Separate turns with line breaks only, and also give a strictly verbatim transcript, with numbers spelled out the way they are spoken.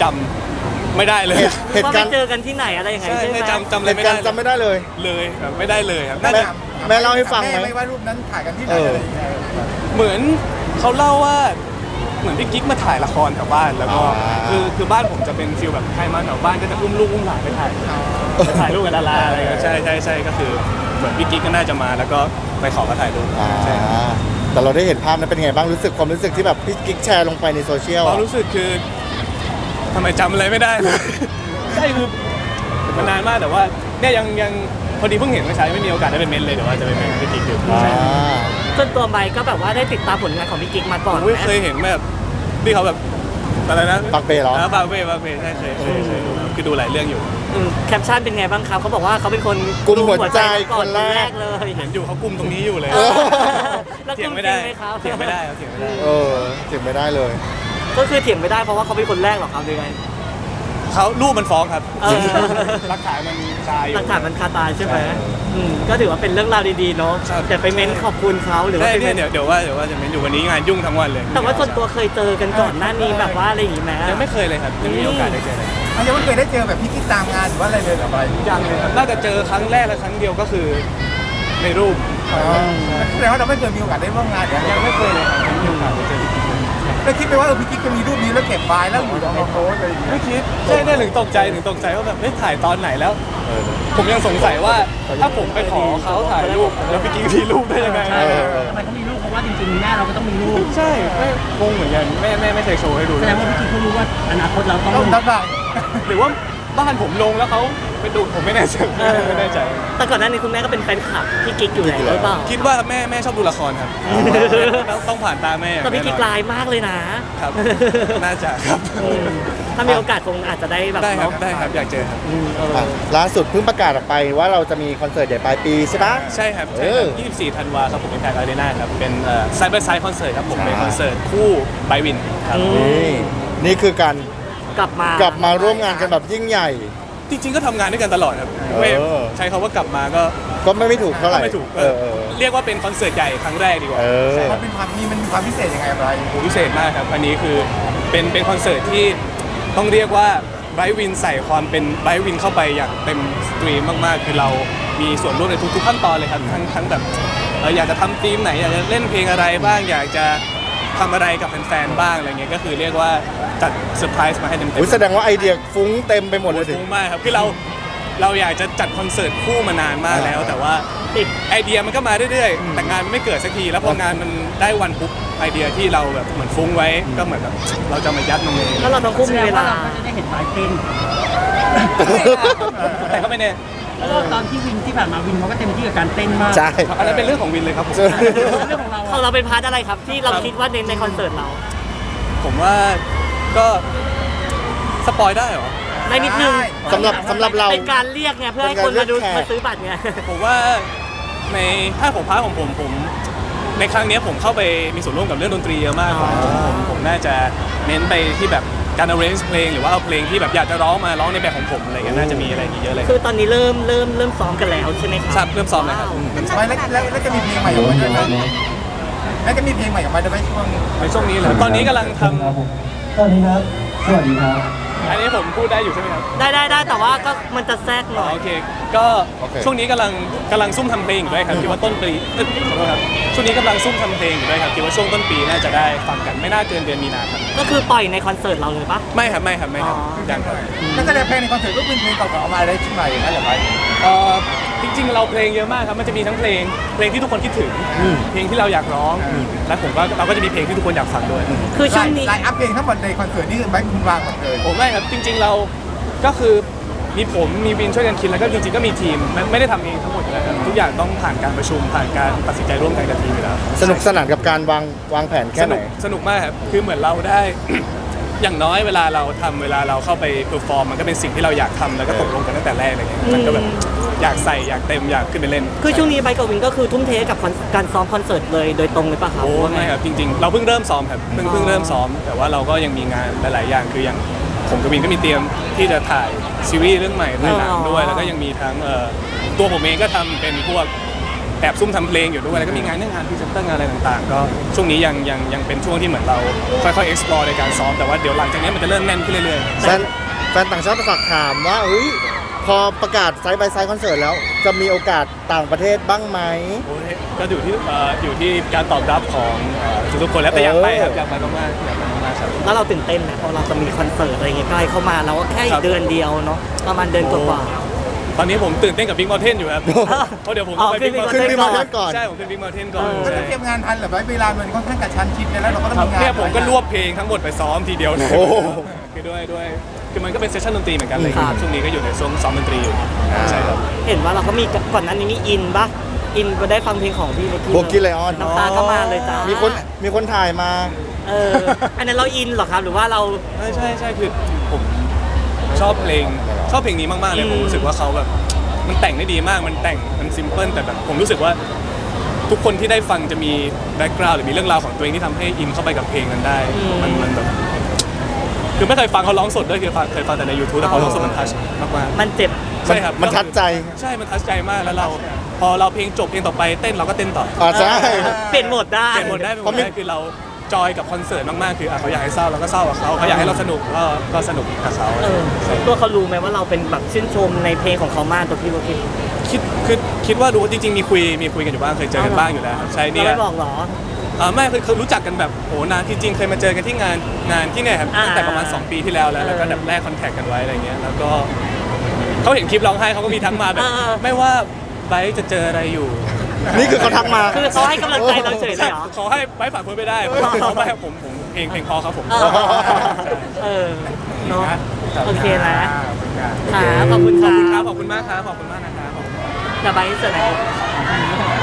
จำไม่ได้เลย
เหตุการณ์เจอกันที่ไหนอะไรยังไงใช่ไหม
จำจำอะไรไม่ได้
จำไม่ได้เลย
เลยครับไม่ได้เลยครับ
แม่แม่เล่าให้ฟังไหม
ไม่ว่ารูปนั้นถ่ายกันที่ไหนอะไรยังไง
เหมือนเขาเล่าว่าเหมือนพี่กิ๊กมาถ่ายละครแถวบ้านแล้วก็คือคือบ้านผมจะเป็นฟิลแบบใครมาแถวบ้านก็จะอุ้มลูกอุ้มหลานไปถ่ายไปถ่ายรูปกับดาราอะไรก็ใช่ใช่ใช่ก็คือเหมือนพี่กิ๊กก็น่าจะมาแล้วก็ไปขอมาถ่ายรูปใช่
แต่เราได้เห็นภาพนั้นเป็นไงบ้างรู้สึกความรู้สึกที่แบบพี่กิ๊กแชร์ลงไปในโซเชียล
ความรู้สึกคือทำไมจำอะไรไม่ได้เลยใช่คือมันนานมากแต่ว่าเนี่ยยังยังพอดีเพิ่งเห็นเมื่อเช้าไม่มีโอกาสได้ไปเม้นเลยแต่ว่าจะไปเม้นพี่กิ๊กอยู่
ส่วนตัวไมค์ก็แบบว่าได้ติดตามผลงานของพี่กิ๊กมาก่อนไหม
เคยเห็นแบบที่เขาแบบอะไรนะ
ปากเป้เหรอ
ปากเป้ปากเป้ใช่เคยเคยเคยคือดูหลายเรื่องอยู่
แคปชั่นเป็นไงบ้างครับเขาบอกว่าเขาเป็นคน
กุมหัวใจคนแรก
เลย
เห็นอยู่เขากุมตรงนี้อยู่เลยเถียงไม่ได้เถียงไม่ได้เถียงไม่ได้
เออเถียงไม่ได้เลย
ก็คือเถียงไม่ได้เพราะว่าเขาเป็นคนแรกหรอครับยังไง
เขารูปมันฟ้องครับหลักฐานมันคาอยู่
หลักฐานมันคาตาใช่ไหมก็ถือว่าเป็นเรื่องราวดีๆเนาะแต่ไปเม้นขอบคุณเขาหรือว่า
เดี๋ยวเดี๋ยวว่าเดี๋ยวว่าจะเม้นอยู่วันนี้งานยุ่งทั้งวันเลย
แต่ว่าส่วนตัวเคยเจอกันก่อนหน้านี้แบบว่าอะไรอย่างงี้ไหม
ยังไม่เคยเลยครับยังไม่มีโอกาสได้เจอเลย
ยังไม่เคยได้เจอแบบพี่กิ๊กตามงานหรือว่าอะไรเลยหรอไป
ยังเลยครับน่าจะเจอครั้งแรกและครั้งเดียวก็คือในรูป
แสดงว่าเราไม่เคยมีโอกาสได้ร่วมงาน
ยังไม่เคยเลยครับยังไม่มีโอกาสได้เจอพี่กิ๊ก
แล้วคิดไปว่าเออพี่กิ๊กจะมีรูปนี้แล้วเก็บไว้แล้วอยู่ในโพสอะไรอย่างเงี้ย
ไม่คิดใช่ได้ถึงตกใจถึงตกใจว่าแบบไม่ถ่ายตอนไหนแล้วผมยังสงสัยว่าถ้าผมไปขอเขาถ่ายรูปแล้วพี่กิ๊กมีรูปได้ยังไง
ทำไมเขามีรูปเพราะว่าจริงๆแม่เราก็ต้องมีรูป
ใช่ไม่งงเหมือนกันแม่แม่ไม่เคยโชว์ให้ดู
แสดงว่าพี่กิ๊กเขารู้ว่าอนาคตเราต้อง
ต้องดัง
หรือว่าบ้านผมลงแล้วเขาไปดูผมไม่แน่ใจไม่แน่ใจ
แต่ก่อนหน้านี้คุณแม่ก็เป็นแฟนคลับพี่กิ๊กอยู่แล้วหรือเปล่า
คิดว่าแม่แม่ชอบดูละครครับต้องผ่านตาแม่
แต่พี่กิ๊กลายมากเลยนะครับ
น่าจะครับ
ถ้ามีโอกาสคงอาจจะได้แบบ
ได้ครับได้ครับอยากเจอครับ
ล่าสุดเพิ่งประกาศออกไปว่าเราจะมีคอนเสิร์ตใหญ่ปลายปีใช่ปะ
ใช่ครับใช่ครับยี่สิบสี่ธันวาครับผมเป็นแพคอารีนาครับเป็นไซเบอร์ไซด์คอนเสิร์ตครับผมเป็นคอนเสิร์ตคู่ไบวินครับ
นี่นี่คือการ
กลับมาก
ลับมาร่วมงานกันแบบยิ่งใหญ่
จริงๆก็ทำงานด้วยกันตลอดครับไม่ใช้คำว่ากลับมาก็
ก็ไม่ไม่ถูกเท่าไหร่
ไม่ถูกเรียกว่าเป็นคอนเสิร์ตใหญ่ครั้งแรกดีกว่า
มันเป็นความมีมันมีความพิเศษยังไงอะไร
พิเศษมากครับอันนี้คือเป็นเป็นคอนเสิร์ตที่ต้องเรียกว่าไบรท์วินใส่ความเป็นไบรท์วินเข้าไปอย่างเต็มสตรีมมากๆคือเรามีส่วนร่วมในทุกๆขั้นตอนเลยครับทั้งทั้งแบบอยากจะทำธีมไหนอยากจะเล่นเพลงอะไรบ้างอยากจะทำอะไรกับแฟนๆบ้างอะไรเงี้ยก็คือเรียกว่าจัดเซอร์ไพรส์มาให้เต็มๆ
แสดงว่าไอเดียฟุ้งเต็มไปหมดเลย
ฟุ้งมากครับคือเราเราอยากจะจัดคอนเสิร์ตคู่มานานมากแล้วแต่ว่าไอเดียมันก็มาเรื่อยๆแต่งานมันไม่เกิดสักทีแล้วพองานมันได้วันปุ๊บไอเดียที่เราแบบเหมือนฟุ้งไว้ก็เหมือนแบบเราจะมายัดลงเลย
แล้วเราต้องคุ้มเวลา
จะได้เห็นปลายเป็น
แต่ก็ไม่แน่
ตอนที่วินที่ผ่านมาวินเขาก็เต็มที่กับการเต้นมาก
ใช่
อันนั้นเป็นเรื่องของวินเลยครับผม
เรื่องของเรา
ของเราเป็นพาร์ทอะไรครับที่เราคิดว่าเน้นในคอนเสิร์ตเรา
ผมว่าก็สปอยได้เหรอ
ได้นิดนึง
สำหรับสำหรับเรา
เป็นการเรียกไงเพื่อให้คนมาดูมาซื้อบัตรไง
ผมว่าในถ้าผมพาร์ทของผมผมในครั้งนี้ผมเข้าไปมีส่วนร่วมกับเรื่องดนตรีเยอะมากผมผมน่าจะเน้นไปที่แบบการ arrange เพลงหรือว่าเอาเพลงที่แบบอยากจะร้องมาร้องในแบบของผมอะไรเงี้ยน่าจะมีอะไรเยอะเลย
คือตอนนี้เริ่มเริ่มเริ่มซ้อมกันแล้วใช่ไหมครับ
ครับเริ่มซ้อมแล้วครับ
แล้วแล้วจะมีเพลงใหม่ออกมาด้วยไหมแล้วจะมีเพลงใหม่ออกมาด้วยไหมช่วง
ในช่วงนี้เหรอตอนนี้กำลังท
ำสวัสดีครับสวัสดีครับ
อันนี้ผมพูดได้อยู่ใช่ไหมครับ
ได้ได้ได้แต่ว่าก็มันจะแทรกหน่อย
โอเคก็ช่วงนี้กำลังกำลังซุ่มทำเพลงอยู่ด้วยครับคิดว่าต้นปีขอโทษครับช่วงนี้กำลังซุ่มทำเพลงอยู่ด้วยครับคิดว่าช่วงต้นปีน่าจะได้ฟังกันไม่น่าเกินเดือนมีนาครับ
ก็คือปล่อยในคอนเสิร์ตเราเลยปะ
ไม่ครับไม่ครับไม่ครับ
ยังครับแล้วก็เพลงในคอนเสิร์ตก็เป็นเพลงเก่าๆเอามาได้ชิ้นใหม่นะอย่างไร
เอ่อจริงๆเราเพลงเยอะมากครับมันจะมีทั้งเพลงเพลงที่ทุกคนคิดถึงเพลงที่เราอยากร้องและผมก็เราก็จะมีเพลงที่ทุกคนอยากฟังด้วย
คือช่วงนี้
ไลน์อัพเพลงทั้งหมดในคอนเสิร์ตนี่ไม่คุณวางหมดเลย
ผมไม่ครับจริงๆเราก็คือมีผมมีวินช่วยกันคิดแล้วก็จริงๆก็มีทีมไม่ได้ทำเองทั้งหมดเลยครับทุกอย่างต้องผ่านการประชุมผ่านการตัดสินใจร่วมกันกับทีมอยู่แล้ว
สนุกสนานกับการวางวางแผนแค่ไหน
สนุกมากครับคือเหมือนเราได้ อย่างน้อยเวลาเราทำเวลาเราเข้าไปเพอร์ฟอร์มมันก็เป็นสิ่งที่เราอยากทำแล้วก็ตกลงกันตั้งแต่แรกอะไรเงี้ยมันก็แบบอยากใส่อยากเต็มอยากขึ้นไปเล่น
คือช่วงนี้ไบค์กับวินก็คือทุ่มเทกับการซ้อมคอนเสิร์ตเลยโดยตรงเลยป่ะครับ
โอ้ไม่ครับจริงๆเราเพิ่งเริ่มซ้อมครับเพิ่งเพิ่งเริ่มซ้อมแต่ว่าเราก็ยังมีงานหลายๆอย่างคืออย่างผมกับวินก็มีเตรียมที่จะถ่ายซีรีส์เรื่องใหม่ถ่ายหนังด้วยแล้วก็ยังมีทั้งตัวผมเองก็ทำเป็นพวกแอบซุ่มทำเพลงอยู่ด้วยแล้วก็มีงานเรื่องงานพรีเซนเตอร์งานอะไรต่างๆ ก็ช่วงนี้ยังยังยังเป็นช่วงที่เหมือนเราค่อยๆ explore ในการซ้อมแต่ว่าเดี๋ยวหลังจากนี้มันจะเริ่มแน่นขึ้นเรื่อยๆ
แฟนแฟนต่างชาติฝากถามว่าเฮ้ยพอประกาศไซส์บายไซส์คอนเสิร์ตแล้ว จะมีโอกาสต่างประเทศบ้างไหม
โอ้ยก็อยู่ที่เอ่ออยู่ที่การตอบรับของเอ่อทุกๆคนแล้วแต่อยากไปครับ
เออ
อ
อ
ยากไปมากๆอยากไปมากๆครับ
แล้วเราตื่นเต้นไหมเพราะเราจะมีคอนเสิร์ตอะไรเงี้ยใกล้เข้ามาเราก็แค่อี
ครั
ก
บ
เดือนเดียวเนาะประมาณเดือนกว่า
ตอนนี้ผมตื่นเต้นกับ Big Mountain อยู่ครับ เพราะเดี๋ยวผมต้องไป
อ๋อ
Big
ขึ้น
Mountain
Big
ขึ้น
Mountain
ที่มาก่อน
ใช่ผมขึ้น Big Mountain ก่อน
เออ
ก็
ใช่
จะเตรียมงานทันเหรือไว้เวลามันค่อนข้างกระชั้นชิดแล้วเราก็ต้อง
ครับ
มีงาน
เนี่ยผมก็รวบเพลงทั้งหมดไปซ้อมทีเดียวเลย
โอ้โห
คือด้วยด้วยคือมันก็เป็นเซสชั่นดนตรีเหมือนกันเลย
ครับ
ช่วงนี้ก็อยู่ในช่วงซ้อมดนตรีอยู่ใช่ครับ
ๆเห็นว่าเราก็มีก่อนหน้านี้มีอินปะอินไปได้ฟังเพลงของพี่เล็กกี้
โบกี้ไลออน
น้ำตาก็มาเลยจ้า
มี
มี
คนมีคนถ่ายมา
เอออันนั้นเราอินเหรอครับหรือว่าเรา
ใช่ใช่ใช่คือผมชอบเพลงชอบเพลงนี้มากๆเลย
อืม
ผมรู้สึกว่าเขาแบบมันแต่งได้ดีมากมันแต่งมันซิมเพิลแต่แบบผมรู้สึกว่าทุกคนที่ได้ฟังจะมีแบ็กกราวด์หรือมีเรื่องราวของตัวเองที่ทำให้อินเข้าไปกับเพลงนั้นได้มันมันแบบคือไม่เคยฟังเขาร้องสดด้วยคือฟังเคยฟังแต่ใน YouTube แต่พอร้องสดมันทัชมากๆ
มันเจ็บ
ใช่ครับ
มันทัดใจ
ใช่มันทัชใจมากแล้วเรา พอเราเพลงจบเพลงต่อไปเต้นเราก็เต้นต่อ
อ่าใช่
เปลี่ยนโหมดได้
เปลี่ยนหมดได้เป็นหม
เพราะ
ด
มี
ได้คือเราจอยกับคอนเสิร์ตมากๆคืออ่ะเขาอยากให้เศร้าเราก็เศร้ากับเขาเขาอยากให้เราสนุกก็ก็สนุกกับเขา
เออ
ใช่
ตัวเขารู้ไหมว่าเราเป็นแบบชื่นชมในเพลงของเขามากตัวพี่โบกี้
คิดคือคิดว่ารู้จริงๆมีคุยมีคุยกันอยู่บ้างเคยเจอกันบ้างอยู่แล้วครับใช่
เรา
เนี่ย
ไม่บอกเหรอ
อ่าไม่คือคือรู้จักกันแบบโหนานที่จริงเคยมาเจอกันที่งานงานที่เนี่ยครับ
อ่า
ตั้งแต่ประมาณสองปีที่แล้วแล้วแล้วก็
เออ
แบบแลกคอนแทคกันไว้อะไรเงี้ยแล้วก็เขาเห็นคลิปร้องไห้เขาก็มีทักมาแบบ
เออเออ
ไม่ว่าไบร์ทจะเจออะไรอยู่
นี่คือเขาทักมา
คือเขาให้กำลังใจเราเฉยเลยเหรอ
ขอให้ไบร์ทผ่านพ้นไปได้ผมเขาไม่ให้ผมผมเพลงเพลงพอครับผม
เออเออเนาะโอเคนะ
อ่า
ค่ะขอบคุณ
ข
ค
อบ
รั
คุณครับ
บ
ขอบคุณมากครับขอบคุณมากนะครับขอบคุณ
เดี๋ยวไปเสิร์ฟไหน